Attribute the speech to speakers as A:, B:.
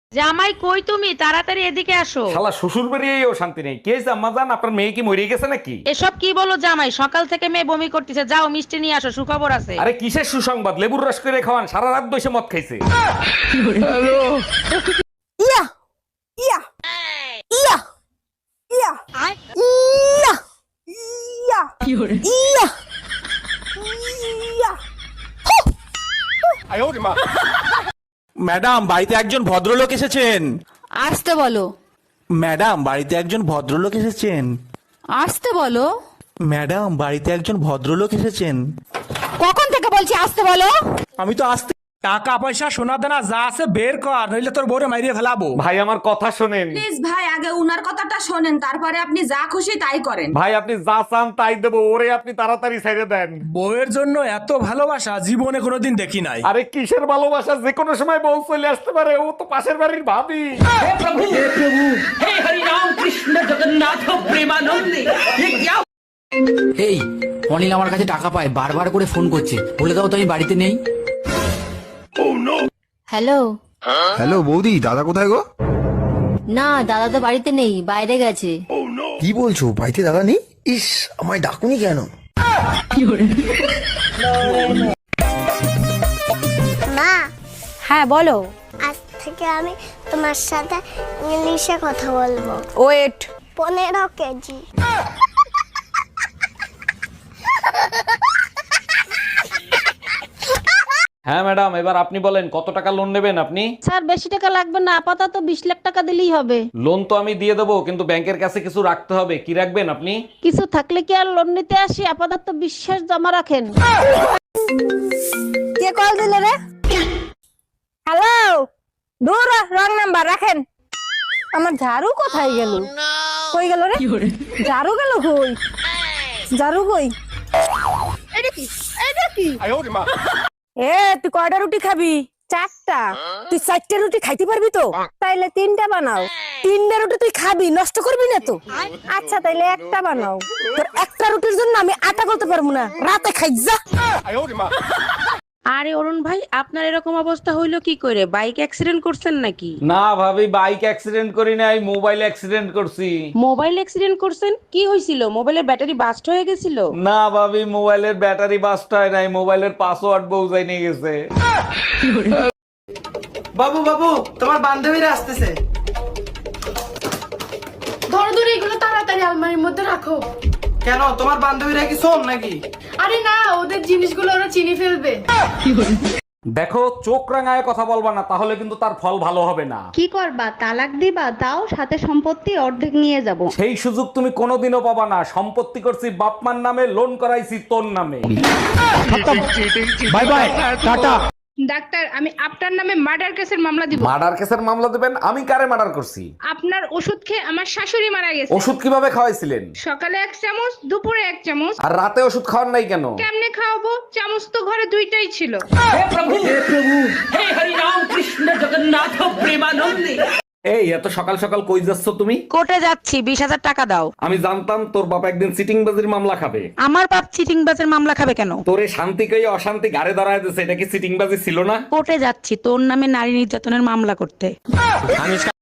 A: জামাই কই তুমি তাড়াতাড়ি এদিকে আসো।
B: শালা শ্বশুর বাড়িয়েও শান্তি নেই। কে জাম্মা জান, আপনার মেয়ে কি মরে গেছে নাকি?
A: এসব কি বলো জামাই, সকাল থেকে মেয়ে বমি করতেছে, যাও মিষ্টি নিয়ে আসো, সুখবর আছে।
B: আরে কিসের সুসংবাদ? লেবুর রস করে খাওয়ান, সারা রাত বসে মদ খাইছে।
C: ইয়া ইয়া ইয়া ইয়া ইয়া ইয়া ইয়া ইয়া
D: ম্যাডাম, বাড়িতে একজন ভদ্রলোক এসেছেন।
E: আসতে বলো।
D: ম্যাডাম, বাড়িতে একজন ভদ্রলোক এসেছেন।
E: আসতে বলো।
D: ম্যাডাম, বাড়িতে একজন ভদ্রলোক এসেছেন।
E: কখন থেকে বলছি আসতে বলো।
D: আমি তো আসতে।
F: টাকা পয়সা সোনা দানা যা আছে বের কর, নইলে তোর বউরে মাইরিয়ে ফেলাবো।
B: ভাই আমার কথা শোনেন।
G: প্লিজ ভাই, আগে উনার কথাটা শোনেন, তারপরে আপনি যা খুশি তাই করেন।
B: ভাই আপনি যা চান তাই দেবো, ওরে আপনি তাড়াতাড়ি ছেড়ে দেন।
F: বউয়ের জন্য এত ভালোবাসা জীবনে কোনোদিন দেখি নাই।
B: আরে কিসের ভালোবাসা, যে কোনো সময় বউ চলে আসতে পারে, ও তো পাশের বাড়ির ভাবি।
H: এই অনিল আমার কাছে টাকা পায়, বারবার করে ফোন করছে, বলে দাও তো আমি বাড়িতে নেই।
E: হ্যালো।
I: হ্যালো বৌদি, দাদা কোথায় গো?
E: না, দাদা তো বাড়িতে নেই, বাইরে গেছে।
I: কি বলছো, বাড়িতে দাদা নেই? ইস, আমায় ডাকুনি কেন?
J: মা,
C: হ্যাঁ বলো।
J: আজ থেকে আমি তোমার সাথে ইংলিশে কথা বলবো।
C: ওয়েট।
J: 15 কেজি।
B: হ্যাঁ ম্যাডাম, এবার আপনি বলেন কত টাকা লোন নেবেন আপনি?
A: স্যার বেশি টাকা লাগবে না, আপাতত 20 লাখ টাকা দিলেই হবে।
B: লোন তো আমি দিয়ে দেবো, কিন্তু ব্যাংকের কাছে কিছু রাখতে হবে। কি রাখবেন আপনি?
A: কিছু থাকলে কি আর লোন নিতে আসি, আপাতত বিশ্বাস জমা রাখেন।
C: কে কল দিল রে? হ্যালো। দূর রং নাম্বার রাখেন। আমার ঝাড়ু কোথায় গেল? কই গেল রে? ঝাড়ু গেল কই? ঝাড়ু কই? এটা কি? এটা কি? এ তুই কয়টা রুটি খাবি? 4টা। তুই 4টা রুটি খাইতে পারবি তো? তাইলে 3টা বানাও। 3টা রুটি তুই খাবি, নষ্ট করবি না তো? আচ্ছা তাইলে একটা বানাও। তোর একটা রুটির জন্য আমি আটা করতে পারবো না, রাতে খাই যা।
A: আরে অরুণ ভাই, আপনার এরকম অবস্থা হইলো কি করে? বাইক অ্যাক্সিডেন্ট করছেন নাকি?
B: না ভাবি, বাইক অ্যাক্সিডেন্ট করি নাই, মোবাইল অ্যাক্সিডেন্ট করছি।
A: মোবাইল অ্যাক্সিডেন্ট করছেন? কি হয়েছিল? মোবাইলের ব্যাটারি বাস্ট হয়ে গেছিল?
B: না ভাবি, মোবাইলের ব্যাটারি বাস্ট হয় নাই, মোবাইলের পাসওয়ার্ড বউজাই নিয়ে গেছে।
K: বাবু বাবু, তোমার বান্ধবীরা আসতেছে।
G: ধরো ধরো, এগুলো তাড়াতাড়ি আলমারির মধ্যে রাখো।
K: কেন, তোমার বান্ধবীরা কি শোন নাকি?
G: আরে না, ওদের জিনিসগুলো ওরা চিনি ফেলবে।
B: দেখো, চোখ রাঙায় কথা বলবা না, তাহলে কিন্তু তার ফল ভালো হবে না।
A: কি করবা? তালাক দিবা? তাও সাথে সম্পত্তি অর্ধেক নিয়ে যাব।
B: সেই সুযোগ তুমি কোনোদিনও পাবা না। সম্পত্তি করছি বাপমার নামে, লোন করাইছি তোর নামে।
D: Bye bye, tata.
G: ডাক্তার, আমি আপনার নামে মার্ডার কেসের মামলা দিব।
B: মার্ডার কেসের মামলা দেবেন? আমি কারে মার্ডার করছি?
G: আপনার ওষুধ খেয়ে আমার শাশুড়ি মারা গেছে।
B: ওষুধ কিভাবে খাওয়াইছিলেন?
G: সকালে 1 চামচ, দুপুরে 1 চামচ।
B: আর রাতে ওষুধ খাওয়ার নাই কেন?
G: কেমনে খাওয়াবো? চামচ তো ঘরে 2টাই ছিল।
B: এই এত সকাল সকাল কই যাচ্ছ তুমি?
A: কোর্টে যাচ্ছি, 20,000 টাকা দাও।
B: আমি জানতাম তোর বাবা একদিন সিটিংবাজির মামলা খাবে।
A: আমার বাপ চিটিং বাজের মামলা খাবে কেন?
B: তোরে শান্তি কই অশান্তি গাড়ে দাঁড়ায় দিছে, এটা কি সিটিংবাজি ছিল না?
A: কোর্টে যাচ্ছি তোর নামে নারী নির্যাতনের মামলা করতে।